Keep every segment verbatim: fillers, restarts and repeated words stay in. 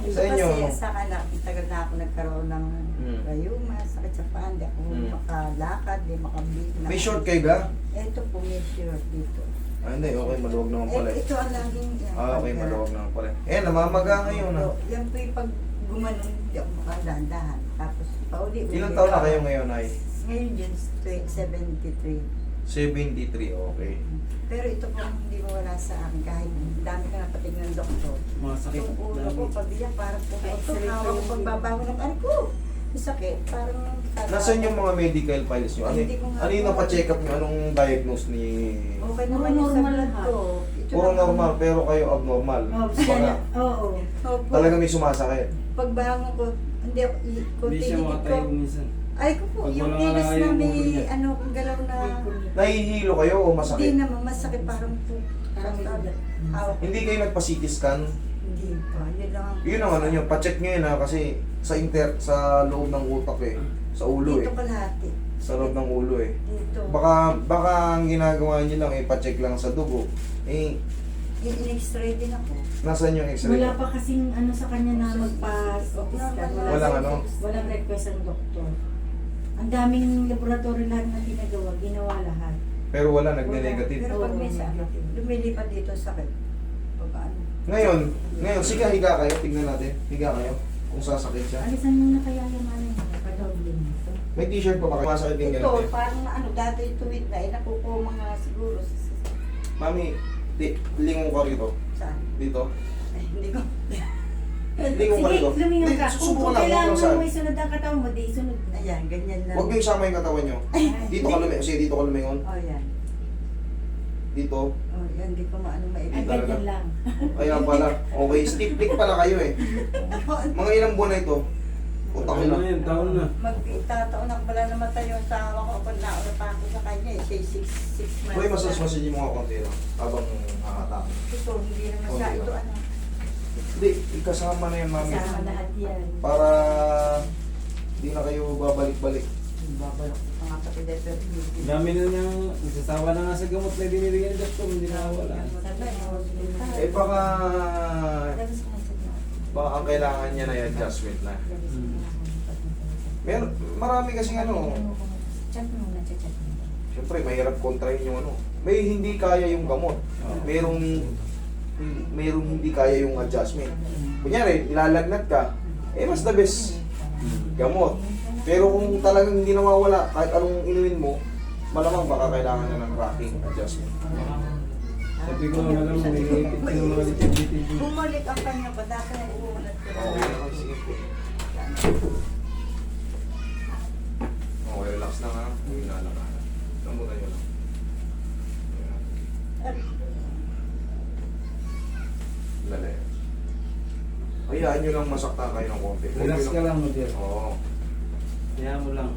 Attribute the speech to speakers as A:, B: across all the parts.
A: Sa inyo?
B: Kasi sa kanak, tagal na ako nagkaroon ng
A: Hmm.
B: rayuma, sakit sa paa, hindi ako
A: Hmm.
B: makalakad, hindi makabit.
A: May short kayo ba?
B: Ito po, may short dito.
A: Ah, hindi. Okay, maluwag naman pala
B: Eh,
A: eh.
B: ito ang laging yan.
A: Ah, okay,
B: pagka-
A: maluwag naman pala. Eh, namamaga ngayon ah.
B: Opo, yan po yung pag gumanon, hindi ako makadahan-dahan. Tapos, pauli-uli.
A: Ilang taon na kayo ngayon ay?
B: Ngayon yun, seventy-three.
A: seventy-three, okay.
B: Pero ito po hindi mo wala sa akin kahit dami ka na pating ng doktor.
C: Mga sakit.
B: Yung ulo ko,
C: Dami.
B: pabiyak, parang pumoto. Hawak ko pagbabago ng ano ko. May sakit, parang...
A: Nasaan yung mga medical files nyo? Ano,
B: Hindi ko nga
A: ano yung
B: po.
A: napacheck up nyo? Anong diagnose ni...
B: Okay
D: Puro
B: naman yung sa
D: normal
B: blood
D: lahat.
B: ko. Ito
A: Puro
B: lang.
A: normal, pero kayo abnormal.
D: Oh,
A: Baka
D: sana, oo.
B: Opo.
A: talaga may sumasakit.
B: Pagbangon ko, hindi ako, i-
C: Hindi
B: kunti
C: siya
B: higit ko.
C: makatayo minsan.
B: Ay ko po,
C: Pag
B: yung
C: wala
B: kilos
C: nga
B: na
C: yung
B: may,
C: ulo niya.
B: ano, galaw na...
A: Nahihilo kayo o
B: Hindi
A: masakit?
B: naman, masakit parang po.
D: Parang
B: Parang
D: may-
B: hawak.
A: Hindi kayo nagpa-C T scan?
B: Hindi pa, yun lang. ang-
A: Yun ang ano nyo, pacheck nyo yun ha, kasi sa inter, sa loob ng utak eh. Sa ulo eh.
B: Dito kalahati.
A: Sa loob ng ulo eh.
B: Dito.
A: Baka, baka ang ginagawa nyo lang eh, pacheck lang sa dugo. Eh,
B: In-x-ray din ako.
A: nasaan yung x-ray?
D: Wala pa kasing ano sa kanya na magpa-scan.
A: Walang ano?
D: Walang request ang doktor. Ang daming laboratory lahat na pinagawa, ginawa lahat.
A: Pero wala, nagne-negative.
B: Pero pag may
D: Oo.
B: sakit, lumilipad dito sakit. Pag ano.
A: Ngayon, ngayon, sige, higa kayo, tignan natin. Higa kayo, kung sasakit siya.
D: Alisan mo na kaya yung ano yun, pa-doble nito.
A: May t-shirt pa ba kayo? Masakit din
B: Ito,
A: ganun eh.
B: parang na ano, dati tuwid na, eh, nakukuha mga siguro sa, sa,
A: Mami, di, lingon ka rito.
B: saan?
A: Dito.
B: Eh, hindi ko.
A: Lingon ka
D: Sige,
A: rito.
D: lumingon
A: Hindi,
D: ka. Kung
A: susubukan
D: kung
A: lang,
D: kailangan
A: kung saan.
D: mo may sunod ang katawan mo, di sunod na.
B: Ayan, ganyan lang.
A: Huwag niyo isama yung katawan niyo. Dito ka lumingon. Sige, dito ka lumingon.
B: Oh, yan.
A: Dito.
B: Oh, yan, hindi ko maano
D: Ay,
B: maibig.
A: talaga.
D: ganyan lang.
A: Kaya pala. Okay, stiff dick pala kayo eh. Mga ilang buwan na ito? Punta ko
C: Taon
A: lang.
C: na yun, taon na.
B: Magtataon ako pala namatay yung asawa ko pag nauna pa ako sa kanya eh. Siya six, six months.
A: Uy, masas
B: na.
A: massage mo nga konti lang. Habang nakatake.
B: Ito, hindi naman
A: Okay
B: siya.
A: lang.
B: Ito ano.
A: Hindi, ikasama na yan, mami.
D: Kasama lahat yan.
A: Para di na kayo babalik-balik.
B: Babalak ko mga kapatid. Pero hindi.
C: Dami na niyang, nagsasawa na nga sa gamot na binibigyan ni doktor, hindi na wala.
B: Sabay, hospital.
A: Eh baka,
D: Tapos ka sa
A: baka ang kailangan niya na yung adjustment na. Meron, marami kasi ano,
D: Chat mo na, chat mo.
A: siyempre mahirap kontrahin yung ano. May hindi kaya yung gamot. Merong, merong hindi kaya yung adjustment. Kunyari, ilalagnat ka, eh mas the best gamot. Pero kung talagang hindi nawawala, kahit anong inumin mo, malamang baka kailangan na ng rocking adjustment.
C: Sabi ko na lang, may ipit na mga litid-litid.
B: Bumalik ang kanya pa. Dati nag-uulat ko.
A: Okay, okay, sige po. Okay, relax lang ha. Huwag na lang ha. Lambutan nyo lang. Lala yan. Hayaan nyo lang masakta kayo ng konti. Huwag
C: Relax
A: nyo
C: ka lang mo, dear.
A: Oo.
C: Kaya mo lang.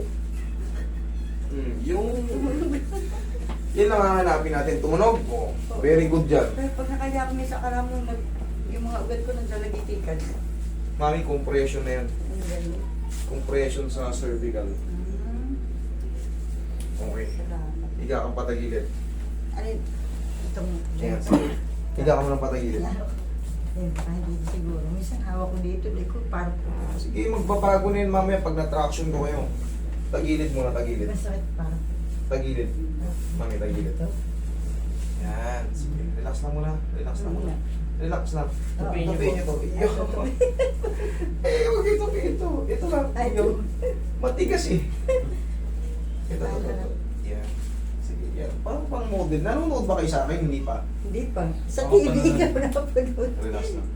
A: Hmm, yung... Yan lang hahanapin natin. Tumunog? Oo. Very good dyan.
B: Pero pag nakaya kami sa karamo, nag, yung mga ugat ko naglalagitikan.
A: Mami, compression na yan.
B: Ang ganun.
A: Compression sa cervical.
B: Hmm.
A: Okay.
B: Salamat.
A: Higa kang patagilid.
B: Ano yun? Itong...
A: Ayan, sige. Higa ka mo ng patagilid.
B: Eh, baka hindi siguro. Minsan hawak ko dito, di ko parang
A: Sige, magbabago na yun mamaya pag na-traction ko kayo. Tagilid muna, tagilid.
B: masakit parang.
A: Tagilid. Mami, tagilid.
B: Ito.
A: Yan. Sige, relax lang muna. Relax lang muna. Relax lang.
B: Tapiin niyo
A: Tapiin niyo to. Iyo. Eh, huwag ito, ito. Ito lang.
B: Ay,
A: Iyo. Matigas eh. Ito, ito, ito.
B: Ay,
A: Yan. Sige, yan. Parang pang model. Nanonood ba kayo sa akin? Hindi pa.
B: Hindi pa. Sa
A: Ako
B: T V
A: pa
B: ka na napanood.
A: Relax lang.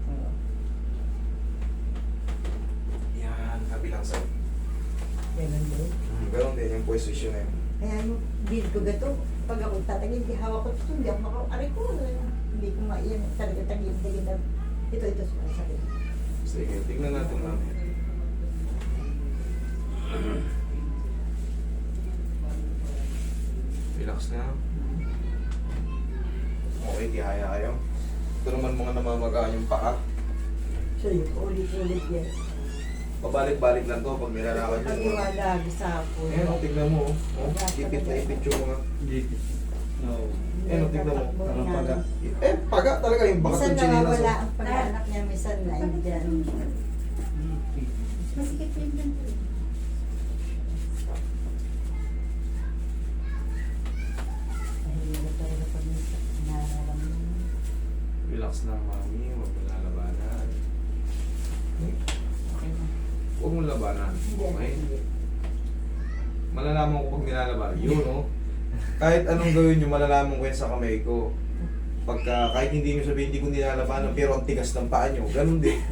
A: Yan. Kabilang side.
B: Ganun din.
A: Hmm, Ganon din yung position na yun.
B: Kaya yung bid ko gato, pag ako tatagil, di hawak ko ito, hindi ako makaw. Aray ko, hindi ko maiyan. Talaga tagil, tagil na. Ito, ito, sakit.
A: Sige, tignan natin namin. Relax na. Okay, tihaya kayo. Ito naman mga namamagaan yung paa.
B: So yun, ulit-ulit yan.
A: Pabalik-balik lang to pag nilalakad
B: Pag
A: yung mga...
B: iwalag sa po.
A: Ayan, oh, tignan mo. Oh. Oh, ipit na ipit yung mga...
C: Dikit. No.
A: Eh, no, tignan mo.
B: Tatakbo
C: Parang
B: na.
C: paga.
A: Eh, paga talaga yung bakat
B: Minsan
A: ng chinelas.
B: nawawala
A: oh.
B: ang pag-anak niya, minsan na dyan.
D: Masikip yung ganito.
B: Mahirap talaga pag nararamdaman.
A: Relax lang, mami. Huwag mo lalabanan.
B: Okay na.
A: Huwag mo labanan.
B: Hindi,
A: Okay?
B: hindi.
A: Malalaman ko pag nilalaban. Yun, no? Kahit anong gawin nyo, malalaman ko yan sa kamay ko. Pagka, kahit hindi nyo sabihin, hindi ko nilalabanan, pero ang tigas ng paa nyo. Ganun din.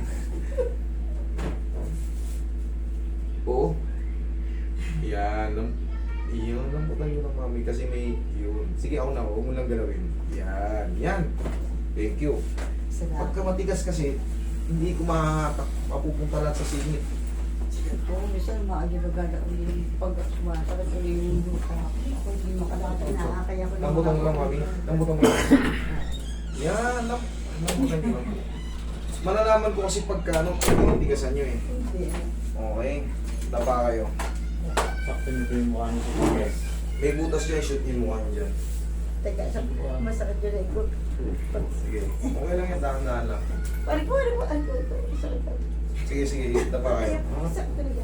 A: Oo. Yan. Lam yun, lambutan nyo lang, mami. Kasi may, yun. Sige, ako na. Huwag mo lang galawin. Yan. Yan. Thank you.
B: Salamat.
A: Pagka matigas kasi, hindi ko mahahatak, mapupunta lahat sa singit.
B: Ito, minsan maagilagada ulit pag sumasakit ulit yung lupa. Ako hindi makalakad na kaya ko
A: Lambutan mo lang, mami. Lambutan mo lang. Yan. Lam lambutan nyo lang. Malalaman ko kasi pagka, ano, tinitigasan nyo eh.
B: Hindi.
A: Okay. Dapa kayo.
C: Sakto nyo po yung mukha nito. Yes.
A: May butas dyan, shoot yung mukha nyo dyan.
B: Teka, sa masakit yun eh. Pag
A: Sige. Okay lang yan, dahan-dahan lang.
B: Pari ko, pari ko, ano ito, sakit ako.
A: Sige, sige. Dapa kayo.
B: Kaya, sakit talaga.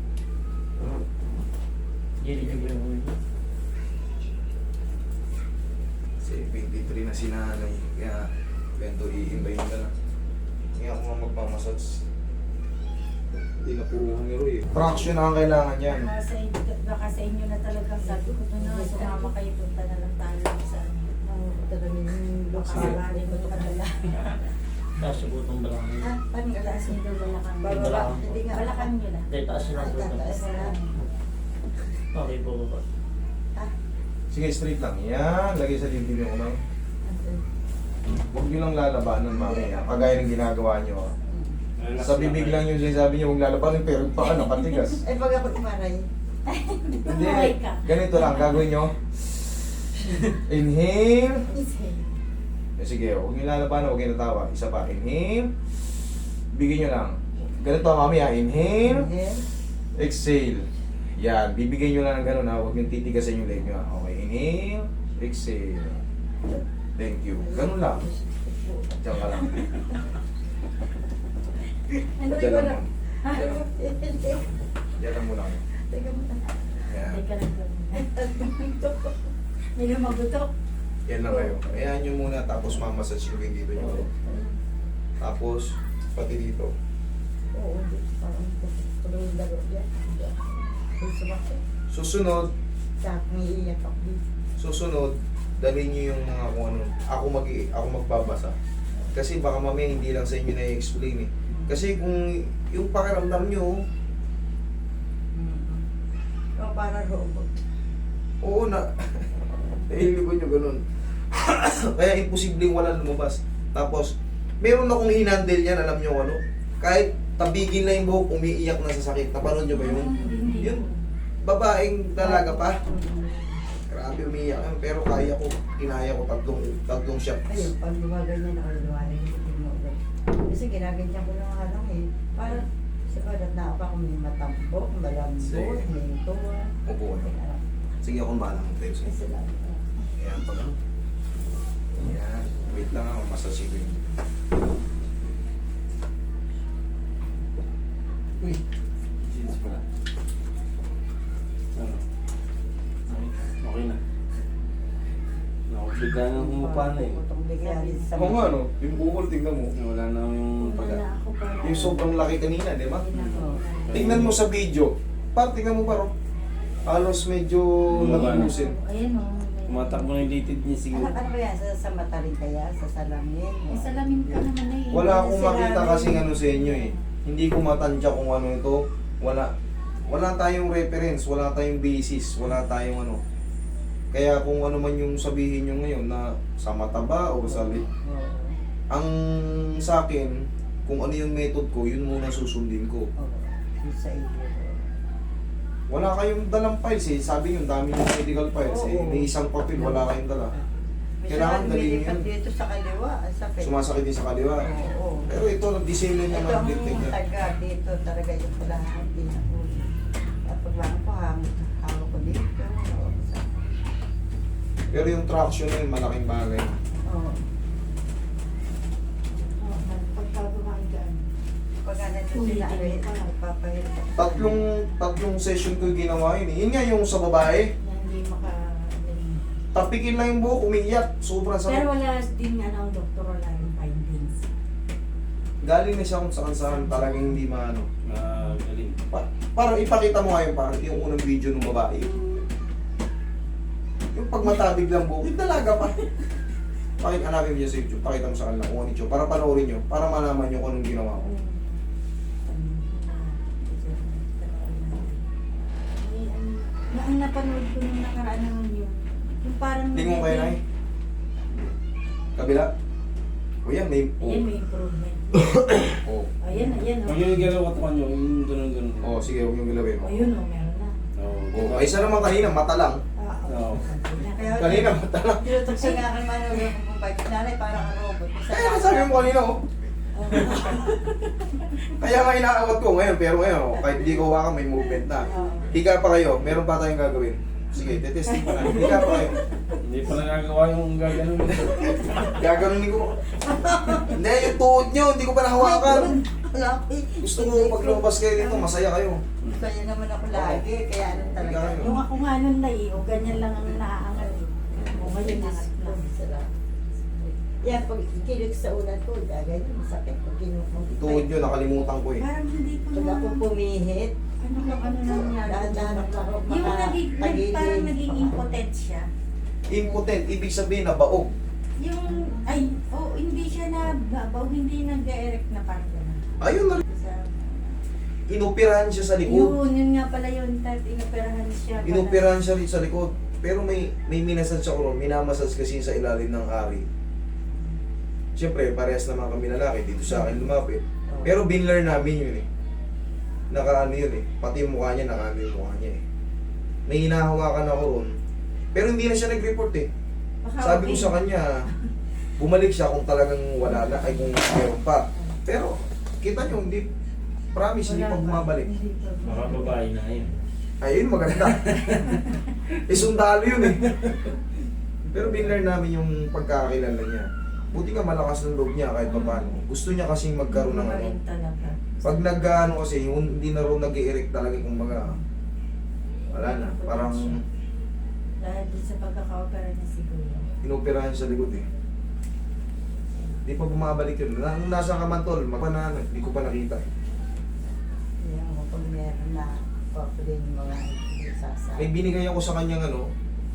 C: Gili-gili yung ulo.
A: Kasi twenty-three na si nanay. Kaya, bento i-imbayin ka na. Hindi ako nga magpamassage. Hindi na puro hangiro eh. Traction na ang kailangan yan.
D: Baka sa, inyo, baka sa inyo na talagang sabi ko doon na sumama kayo, punta na lang tayo sa
B: Ano, talaga yung lupa.
A: Sige.
D: Maraming mo kadala.
C: Taas yung butong balakang.
B: Ha? Parang
D: Taas
B: galas
D: nyo daw balakang.
B: Bababa. Hindi nga.
D: Balakang nyo na.
C: Dahil taas yung
B: Ay,
C: butong.
B: tataas na.
C: Okay po ba?
B: Ha?
A: Sige, straight lang. Yan. Lagay sa dibdib yung umang. Huwag nyo lang lalabanan, mami. Ha? Kagaya ng ginagawa nyo. Ha? Sa bibig lang yung sinasabi nyo, huwag lalabanan, pero yung paa nakatigas.
B: Ay, pag ako imaray.
A: Hindi.
D: Buhay ka.
A: Ganito lang, gagawin nyo. Inhale. Eh, sige, huwag nyo lalabanan, huwag nyo natawa. Isa pa, inhale. Bigyan nyo lang. Ganito, mami, ha? Inhale.
B: Inhale.
A: Exhale. Yan, bibigyan nyo lang ng gano'n, ha? Huwag nyo titigasan yung leg nyo, ha? Okay, inhale. Exhale. Thank you. Ganun lang. Diyan ka lang.
D: Ano
A: Diyan
D: ko
A: lang.
D: lang?
A: Diyan lang. Diyan lang mo lang.
B: Teka mo na.
A: Yan.
D: Teka lang. May lumagutok.
A: Yan lang kayo. Ayan nyo muna, tapos mamassage yung leg dito nyo. Tapos, pati dito.
B: Oo, parang tuloy yung laro niya. Kung sumakit.
A: Susunod,
B: Sa akin iiyak ako dito.
A: susunod, dalhin nyo yung mga kung ano. Ako, mag ako magbabasa. Kasi baka mamaya hindi lang sa inyo na-explain eh. Kasi kung yung pakiramdam nyo,
B: O, para robot.
A: oo na, nahiligon nyo ganun. Kaya imposibleng wala lumabas. Tapos, meron akong hinandle yan, alam nyo ano. Kahit tabigin na yung buhok, umiiyak na sa sakit. Napanood nyo ba yun? Yun, babaeng dalaga pa. Grabe umiiyak yan, pero kaya ko, kinaya ko tatlong, tatlong shot.
B: Ayun, pag gumaganyan ako, lumarin hindi mo ulit. Kasi ginaganyan ko lang halang eh. Parang, sa balat na ako may matambok, malambot,
A: Sige.
B: may tuwa.
A: Upo kayo. Sige, akong bahala ng tayo
B: Kasi
A: sa'yo.
B: lang.
A: Ayan, pag ano. Ayan, wait lang ako, massage ko yun.
C: Uy. Jeans pala. Ano? Okay na. Ako, bigla nang humupa na eh.
B: Putong bigla din sa
A: Oo nga, no? Yung bukol, tingnan mo.
C: Wala na yung
D: Wala
C: paga.
D: ako para.
A: Yung sobrang laki kanina, di ba?
B: Oo.
A: Tingnan mo sa video. Par, tingnan mo paro. Halos medyo
C: Bumaba na.
A: nabubusin.
D: Ayan o.
C: Tumatakbo na yung litid niya
B: Ano,
C: siguro.
B: ano ba yan? Sa, sa mata rin kaya? Sa salamin?
D: Eh, salamin ka naman na eh.
A: Wala akong
B: Sila-
A: makita kasi ano sa inyo eh. Hindi ko matansya kung ano ito. Wala. Wala tayong reference, wala tayong basis, wala tayong ano. Kaya kung ano man yung sabihin nyo ngayon na sa mata ba o sa lip,
B: Oo.
A: ang sa akin, kung ano yung method ko, yun muna susundin ko.
B: Oo. Yung sa iyo.
A: Wala kayong dalang files eh. Sabi nyo, dami ng medical files eh.
B: Oo.
A: May isang papel, wala kayong dala. Kailangan
B: Kailangan
A: dalhin
B: lumilipat
A: yun.
B: dito sa kaliwa. Ang sakit.
A: Sumasakit din sa kaliwa.
B: Oo.
A: Pero ito, nag-disenyo
B: Ito
A: naman
B: ang
A: dictate niya.
B: taga dito talaga yung kailangan din ako. Kapag lang ko hawak hawak ko dito. hawak ko sa-
A: Pero yung traction na yun, malaking bagay.
B: Oo.
D: Oh, pagkagawa dyan.
B: Pag ano sila, ano yun, nagpapahirap.
A: Tatlong, tatlong session ko yung ginawa yun eh. Yun nga yung sa babae,
D: Na hindi maka...
A: tapikin lang yung buhok, umiiyak. Sobrang
D: Pero
A: sakit.
D: wala din ano ang doktor, wala yung findings.
A: Galing na siya kung saan saan, talagang hindi maano.
C: Magaling.
A: Pa parang ipakita mo nga yung, parang yung unang video ng babae. Yung pagmatabig lang buhok, yung dalaga pa. Pakita, hanapin mo dyan sa YouTube, pakita mo sa kanila kung ano yung para panoorin nyo, para malaman nyo kung anong ginawa ko.
D: Na ang napanood ko nung nakaraan naman yun, yung parang...
A: Lingon kayo na eh. Kabila. O yan, may...
D: Ayan, may improvement.
A: Oh.
D: Ayan, ayan.
C: Pag
D: Oh.
C: yung galaw katawan nyo, yung gano'n-gano'n.
A: Oh, sige, huwag yung gilawin.
D: Ayun, oh, meron na.
C: Oo.
A: Oh, ay isa naman kanina, mata lang.
D: Ah,
C: Oo.
B: Kaya,
A: Kanina, mata lang.
B: tinutukso nga kay Manolo kung bike. Nanay, parang ang robot.
A: Kaya nasabi mo kanina, oh. Kaya nga inaawat ko ngayon, pero ngayon, oh, kahit hindi ko hawakan, may movement na. Higa pa kayo, meron pa tayong gagawin. Sige, tetesting pa na. Higa pa kayo.
C: Hindi pa nagagawa yung gaganon.
A: Gaganunin ko. Hindi, yung tuhod nyo, hindi ko pa nahawakan.
B: Lapit.
A: Gusto ko pag lumabas kayo dito, masaya kayo.
B: Kaya naman ako lagi, kaya ano talaga.
A: Higa kayo.
D: yung ako nga nun na eh, o ganyan lang ang naaangal eh. O ngayon nangat na.
B: Yan, pag ikilig sa ulan ko, ganyan, masakit. Pag kinukong
A: Tuhod nyo, nakalimutan ko eh.
D: Parang hindi ko
B: Pag ako pumihit,
D: ano lang ano nangyari.
B: dahan-dahan ako ako
D: Yung naging, nag,
B: makatagilid.
D: parang naging impotent siya.
A: Impotent, ibig sabihin na baog.
D: Yung, ay, oh, hindi siya na babaw, hindi nag-erect na parang gano'n.
A: Ayun na,
D: Sa-
A: inoperahan siya sa likod.
D: Yun, yun nga pala yun, tat, inoperahan siya. pala.
A: Inoperahan siya rin sa likod. Pero may may minasage ako ron, minamasage kasi sa ilalim ng ari. Siyempre, parehas naman kami lalaki, dito sa akin lumapit. Pero binlearn namin yun eh. Nakaano yun eh. Pati yung mukha niya, nakaano yung mukha niya eh. May hinahawakan ako ron. Pero hindi na siya nag-report eh.
D: Baka
A: Sabi ko
D: okay.
A: sa kanya, bumalik siya kung talagang wala na, ay kung meron pa. Pero, kita nyo, hindi, promise, hindi
D: Wala
A: pa
D: pa.
A: bumabalik.
D: Hindi pa.
C: Mga babae na yun.
A: Ayun, maganda. eh, sundalo yun eh. Pero binlearn namin yung pagkakakilala niya. Buti nga malakas ng loob niya kahit pa paano. Gusto niya kasing magkaroon ng ano.
D: Rin talaga.
A: Pag nag-ano kasi, yung hindi na rin nag-i-erect talaga kung baga, wala na. Parang
D: Dahil din sa pagkaka-opera niya siguro.
A: inoperahan sa likod eh. Hindi pa bumabalik yun. Na- Nung nasa ka man tol, magpanano, hindi ko pa nakita eh.
B: Yan mo, pag meron na, ako din yung mga sasa.
A: May binigay ako sa kanyang ano,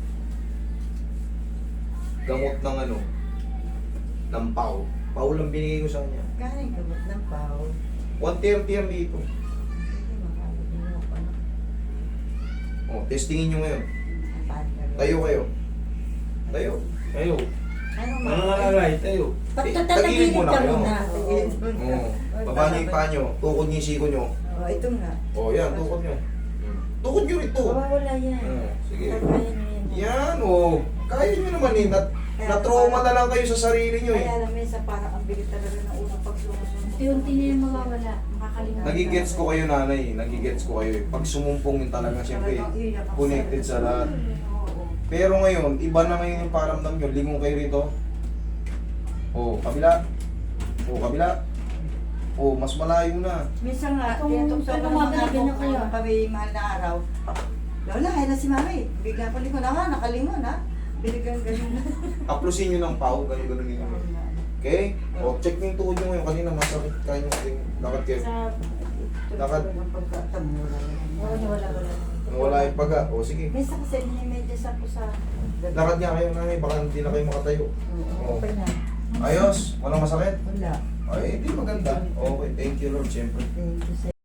A: gamot ng ano, ng pau. Pau lang binigay ko sa kanya.
B: Galing gamot ng pao.
A: one thirty yan dito.
B: Hindi makakalimutan mo pa na.
A: Oh, testingin nyo ngayon.
B: Paano ka rin?
A: Tayo kayo. Tayo.
C: Kayo.
B: Ano
C: Ano nalalay? Tayo.
A: Eh,
D: Pagtatagilid
A: tagilid muna
D: ka
A: kayo.
D: muna.
A: Oo. Baba niyo yung paa nyo. Tukod niyo yung siko nyo.
B: Oh, ito nga.
A: Oh, yan. Tukod nyo. Tukod nyo rin to.
D: Mawawala yan.
A: Oh, sige.
D: Kaya nyo yan.
A: Yan, oh. Kaya nyo naman eh. Nat na-trauma na lang kayo sa sarili nyo eh.
B: Kaya alam mo yun, sa parang ang bigat talaga ng unang pagsumusunod.
D: Unti-unti na yung mawawala. Makakalimutan.
A: Nagigets ko kayo nanay. Nagigets ko kayo eh. Pag sumumpong yun talaga siyempre connected sa lahat.
B: Oo.
A: Pero ngayon, iba na ngayon yung paramdam nyo. Lingon kayo rito. Oh, kabila. Oh, kabila. Oh, mas malayo na.
B: Minsan nga,
D: Kung
B: tinutukso ko ng
D: tumagal,
B: mga
D: ganyan
B: ganyan
D: kayo.
B: kami mahal na araw. Lola, kaya na si Mami. Bigla pa lingon na nga, nakalingon ha. Binigyan ganun.
A: Aplusin nyo ng pau. Ganun-ganun ninyo. Okay? O, check nyo yung tuhod nyo ngayon. Kanina masakit kayo yung lakad kayo.
D: Sa...
A: Lakad.
B: Ng pagkatamura.
D: Oo, wala, wala.
A: Wala yung paga. O, sige.
B: Minsan kasi medyo sa ko sa...
A: Lakad nga kayo nanay. Baka hindi na kayo makatayo.
B: Oo, okay na.
A: Ayos. Walang masakit.
B: Wala.
A: Ay, hindi maganda. Okay. Thank you Lord. Siyempre.
B: Thank you, sir.